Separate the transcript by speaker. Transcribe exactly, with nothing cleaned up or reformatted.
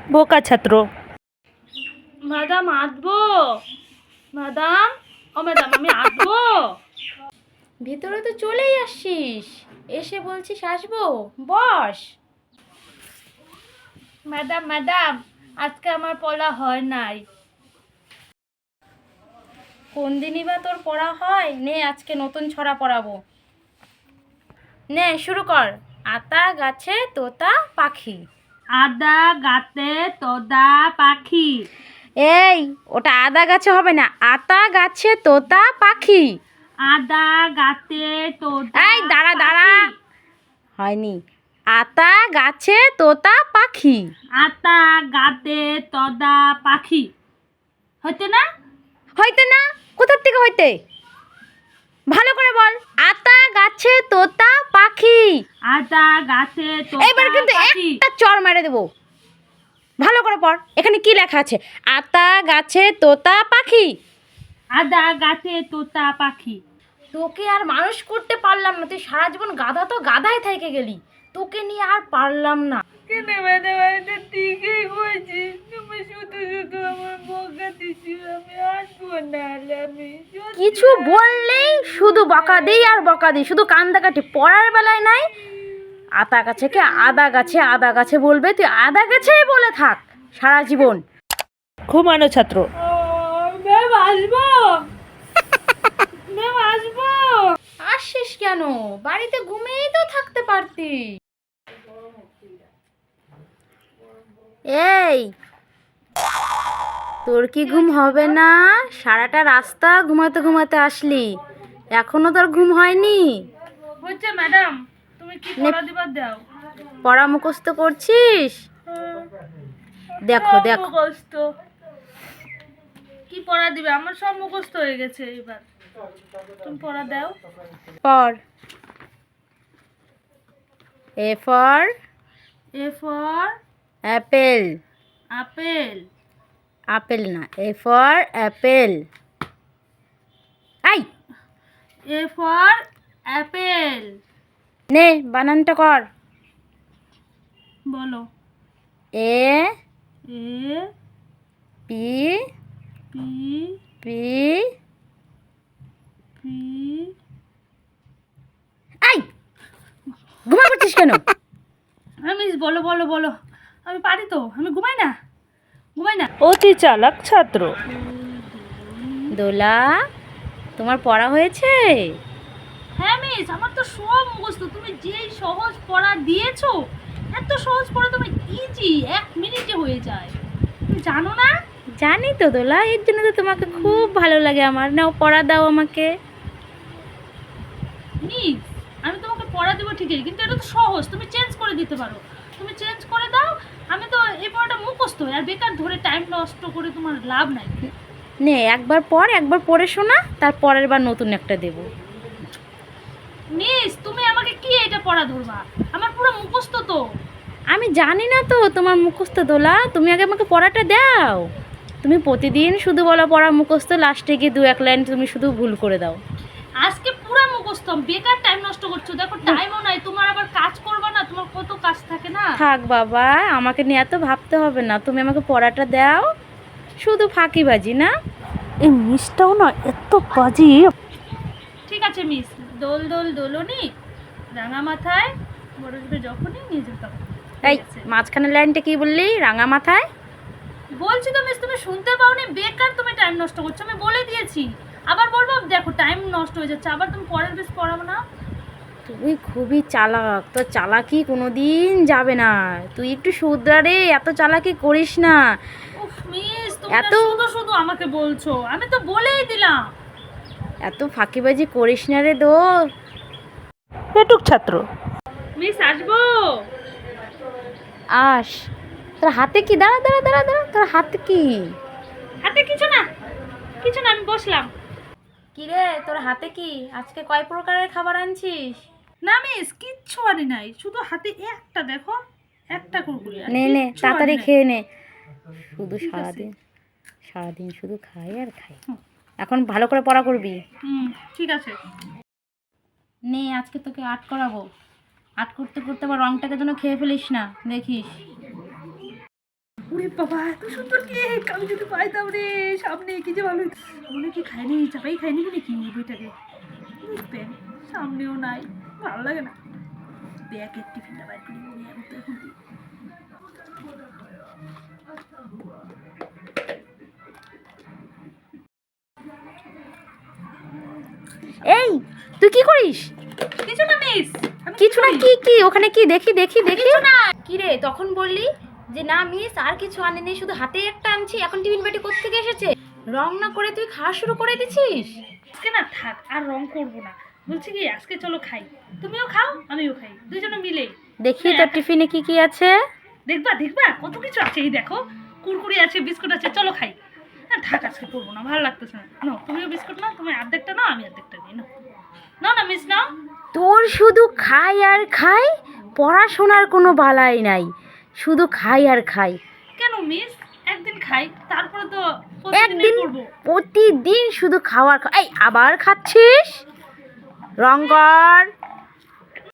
Speaker 1: বোকা ছাত্র।
Speaker 2: ম্যাডাম আসবো? ম্যাডাম, ও ম্যাডাম আমি আসবো?
Speaker 3: ভিতরে তো চলেই আসছিস, এসে বলছিস আসবো? বস।
Speaker 2: ম্যাডাম ম্যাডাম আজকে আমার পড়া হয় নাই।
Speaker 3: কোন দিনই বা তোর পড়া হয়? নে আজকে নতুন ছড়া পড়াবো। নে শুরু কর। আতা গাছে তোতা পাখি।
Speaker 2: আদা গাতে তোদা পাখি।
Speaker 3: এই, ওটা আদা গাছে হবে না, আতা গাছে তোতা পাখি।
Speaker 2: আদা গাতে তোদা
Speaker 3: এই দাঁড়া দাঁড়া,
Speaker 2: পাখি।
Speaker 3: হয়নি। আতা গাছে তোতা পাখি।
Speaker 2: আতা গাতে তোদা পাখি। হইতে না?
Speaker 3: হইতে না? কোথার থেকে হইতে? ভালো করে বল। আতা গাছে তোতা পাখি।
Speaker 2: আদা গাছে তোদা
Speaker 3: এবার কিন্তু
Speaker 2: পাখি।
Speaker 3: একটা চড় মেরে দেবো। ভালো করে পড়। এখানে কি লেখা আছে? আতা গাছে তোতা পাখি।
Speaker 2: আদা গাছে তোতা পাখি।
Speaker 3: তোকে আর মানুষ করতে পারলাম না, তুই সারা জীবন গাধা তো গাধাই থেকে গেলি, তোকে নিয়ে আর পারলাম না।
Speaker 2: কেন ম্যাডাম এটা ঠিকই কইছি, তুমি শুধু শুধু আমার বকা দিচ্ছি, আমি আসবো না। আমি
Speaker 3: কিছু বললেই শুধু বকা দিই আর বকা দিই, শুধু কান্দাকাটি, পড়ার বেলায় নাই। আতা গাছে কে আদা গাছে, আদা গাছে বলবে, তুই আদা গাছেই বলে থাক সারা জীবন।
Speaker 1: ঘুমানো ছাত্র।
Speaker 2: ম্যাম আসবো? ম্যাম আসবো?
Speaker 3: আসছিস কেন? বাড়িতে ঘুমিয়েই তো থাকতে পারতি। এই, তোর কি ঘুম হবে না? সারাটা রাস্তা ঘুমাতে ঘুমাতে আসলি, এখনো তোর ঘুম হয়নি?
Speaker 2: হচ্ছে ম্যাডাম, তুমি কি পড়া দিবার দাও?
Speaker 3: পড়া মুখস্থ করছিস? দেখো দেখো,
Speaker 2: মুখস্থ কি পড়া দিবে? আমার সব মুখস্থ হয়ে গেছে, এবার তুমি পড়া দাও।
Speaker 3: পড়। A for
Speaker 2: A for
Speaker 3: apple.
Speaker 2: Apple.
Speaker 3: Apple না, এ ফর অ্যাপেল। আই,
Speaker 2: এ ফর অ্যাপেল।
Speaker 3: নে বানানটা কর।
Speaker 2: বলো।
Speaker 3: A
Speaker 2: A
Speaker 3: P
Speaker 2: P
Speaker 3: P
Speaker 2: P
Speaker 3: I, ঘুমা করছিস কেন?
Speaker 2: আমি বলো বলো বলো, আমি পারি তো, আমি ঘুমাই না, ঘুমাই না।
Speaker 1: অতি চালাক ছাত্র।
Speaker 3: দোলা, তোমার পড়া হয়েছে?
Speaker 2: হ্যাঁ মিস, আমার তো সব মুখস্থ। তুমি যেই সহজ পড়া দিয়েছো, এত সহজ পড়া তুমি ইজি এক মিনিটে হয়ে যায়, তুমি জানো না?
Speaker 3: জানি তো দোলা, এর জন্য তো তোমাকে খুব ভালো লাগে আমার। নাও পড়া দাও আমাকে।
Speaker 2: মিস, আমি তোমাকে পড়া দেবো ঠিকই, কিন্তু এটা তো সহজ, তুমি চেঞ্জ করে দিতে পারো। তুমি চেঞ্জ করে দাও, আমি তো এই পড়াটা মুখস্থ, আর বেকার ধরে টাইম নষ্ট করে তোমার লাভ নাই।
Speaker 3: নে একবার পড়, একবার পড়ে শোনা, তার পরের বার নতুন একটা দেবো।
Speaker 2: মিস, তুমি আমাকে কি এটা পড়া ধরবা? আমার পুরো মুখস্থ তো।
Speaker 3: আমি জানি না তো তোমার মুখস্থ দোলা, তুমি আগে আমাকে পড়াটা দাও। তুমি প্রতিদিন শুধু বলো পড়া মুখস্থ, লাস্টে গিয়ে দু এক লাইন তুমি শুধু ভুল করে দাও।
Speaker 2: আজকে পুরো মুখস্থ, বেকার টাইম নষ্ট করছো। দেখো টাইমও নাই, তোমার আবার কাজ করবা না, তোমার কত কাজ থাকে না।
Speaker 3: থাক বাবা, আমাকে নিয়ে এত ভাবতে হবে না, তুমি আমাকে পড়াটা দাও। শুধু ফাঁকিবাজি না?
Speaker 1: এই মিসটাও না এত বাজি।
Speaker 2: ঠিক আছে মিস, দোল দোল দোলনি রাঙা মাথায় বরসবে যখনই নিয়ে যেতাম।
Speaker 3: এই মাঝখানের লাইনটা কি বললি? রাঙা মাথায়?
Speaker 2: বলছি তো মিস, তুমি শুনতে পাওনি, বেকার তুমি টাইম নষ্ট করছো, আমি বলে দিয়েছি। আবার বলবো? দেখো টাইম নষ্ট হয়ে যাচ্ছে, আবার তুমি পরের বেশ পড়াবো না।
Speaker 3: তুই খুবই চালাক, তোর চালাকি কোনোদিন যাবে না। তুই একটু শুধরা, এত চালাকি করিস না।
Speaker 2: উফ মিস, তুমি না
Speaker 3: এত-
Speaker 2: শুধু শুধু আমাকে বলছো, আমি তো বলেই দিলাম।
Speaker 3: এত ফাঁকিবাজি করিস না রে দো।
Speaker 1: পেটুক ছাত্র।
Speaker 2: মিস আসবো?
Speaker 3: আস। তোর হাতে কি? দাঁড়া দাঁড়া দাঁড়া দাঁড়া, তোর হাতে কি?
Speaker 2: হাতে কিছু না, কিছু না, আমি বসলাম।
Speaker 3: কি রে, তোর হাতে কি? আজকে কয় প্রকারের খাবার আনছিস?
Speaker 2: না মিস, কিচ্ছু আনি নাই, শুধু হাতে একটা, দেখো একটা কুরকুরি। আর
Speaker 3: নে নে
Speaker 2: কিচ্ছু
Speaker 3: তাড়াতাড়ি
Speaker 2: আনি নাই।
Speaker 3: খেয়ে নে। শুধু
Speaker 2: ঠিক আছে।
Speaker 3: সারাদিন সারাদিন শুধু খাই আর খাই। এখন ভালো করে পড়া করবি।
Speaker 2: হুম, ঠিক আছে।
Speaker 3: নে আজকে তোকে আর্ট করাবো। আর্ট করতে করতে আবার রংটাকে যেন খেয়ে ফেলিস না, দেখিস।
Speaker 2: ওরে বাবা এত সুন্দর কেক, আমি যদি পাইতাম রে সামনে, কি যে ভালো হতো। মনে কি খাইনি, চাপাই খাইনি নাকি বইটাকে, দেখবেন সামনেও নাই, ভালো লাগে না। ব্যাগের টিফিনটা বাইর করি, মনে হয় তো এখন দিই।
Speaker 3: এই তুই কি করিস?
Speaker 2: কিছু না মিস,
Speaker 3: কিছু না কি কি ওখানে কি দেখি দেখি দেখি না কি রে, তখন বললি যে না মিস আর কিছু আনেনি, শুধু হাতে একটা আনছি, এখন টিফিন বাটি কোত্থেকে এসেছে? রং না করে তুই খাওয়া শুরু করে দিছিস?
Speaker 2: আজকে না থাক, আর রং করবো না, বলছি কি আজকে চলো খাই, তুমিও খাও আমিও খাই, দুজনে মিলে।
Speaker 3: দেখি তোর টিফিনে কি কি আছে।
Speaker 2: দেখবা দেখবা কত কিছু আছে, এই দেখো কুরকুরি আছে, বিস্কুট আছে, চলো খাই। হ্যাঁ থাক, আজকে করবো না, ভালো লাগতেছে না। নাও তুমিও বিস্কুট নাও, তুমি অর্ধেকটা নাও, আমি অর্ধেকটা নিই। নাও নাও না মিস, নাও।
Speaker 3: তোর শুধু খাই আর খাই, পড়াশোনার কোনো বালাই নাই, শুধু খাই আর খাই।
Speaker 2: কেন মিস, একদিন খাই তারপরে তো
Speaker 3: একদিন
Speaker 2: প্রতিদিনই করবো।
Speaker 3: প্রতিদিন শুধু খাওয়ার খা- এই আবার খাচ্ছিস? রং কর।